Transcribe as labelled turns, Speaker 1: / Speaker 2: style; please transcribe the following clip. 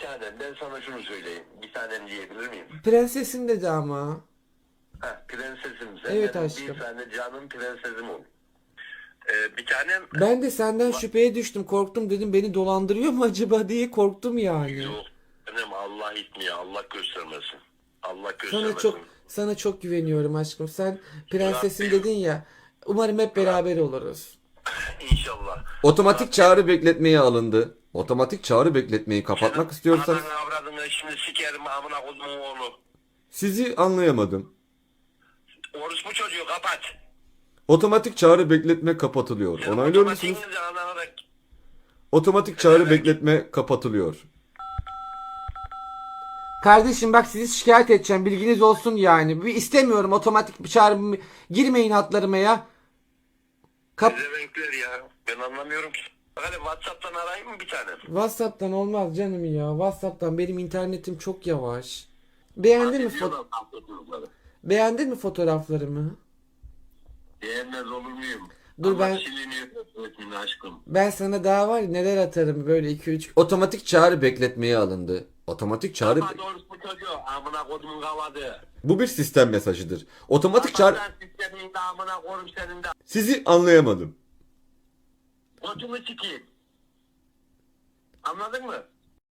Speaker 1: tanem, ben sana şunu söyleyeyim. Bir tanem diyebilir miyim?
Speaker 2: Prensesim dedi ama.
Speaker 1: Ha, prensesim. Sen
Speaker 2: Evet
Speaker 1: benim
Speaker 2: aşkım.
Speaker 1: bir tane canım prensesim ol. Bir tanem...
Speaker 2: Ben de senden şüpheye düştüm. Korktum, dedim beni dolandırıyor mu acaba diye korktum yani.
Speaker 1: Yok. Benim Allah itmiyor. Allah göstermesin. Allah
Speaker 2: Sana
Speaker 1: göstermesin.
Speaker 2: çok güveniyorum aşkım. Sen prensesim
Speaker 1: Rabbim.
Speaker 2: dedin ya. Umarım hep beraber oluruz.
Speaker 1: İnşallah.
Speaker 3: Otomatik çağrı bekletmeye alındı. Otomatik çağrı bekletmeyi kapatmak istiyorsanız
Speaker 1: Ananı avradını şimdi sikerim amına kodumun oğlu.
Speaker 3: sizi anlayamadım.
Speaker 1: Orospu çocuğu kapat.
Speaker 3: Otomatik çağrı bekletme kapatılıyor.
Speaker 1: Senin
Speaker 3: Onaylıyor musunuz?
Speaker 1: otomatiğinizi anana da...
Speaker 3: Otomatik çağrı
Speaker 1: Evet.
Speaker 3: bekletme kapatılıyor.
Speaker 2: Kardeşim bak, sizi şikayet edeceğim. Bilginiz olsun yani. Bir istemiyorum otomatik bir çağrı. Girmeyin hatlarıma ya.
Speaker 1: Renkler ya. Ben anlamıyorum ki. Hadi WhatsApp'tan arayayım mı bir tane?
Speaker 2: WhatsApp'tan olmaz canım ya. WhatsApp'tan benim internetim çok yavaş. Beğendin mi beğendin mi fotoğraflarımı?
Speaker 1: Beğenmez olur muyum?
Speaker 2: Dur
Speaker 1: Ama
Speaker 2: ben-
Speaker 1: siliniyor öğretmenin aşkım.
Speaker 2: Ben sana daha var ya neler atarım böyle 2-3.
Speaker 3: Otomatik çağrı bekletmeye alındı. Otomatik çağrı
Speaker 1: Kapat orospu çocuğu. Amına kodumun kavadı.
Speaker 3: bu bir sistem mesajıdır. Otomatik çağrı
Speaker 1: Kapat lan sistemin de amına kodum senin de.
Speaker 3: sizi anlayamadım.
Speaker 1: Kodumu sikeyim. Anladın mı?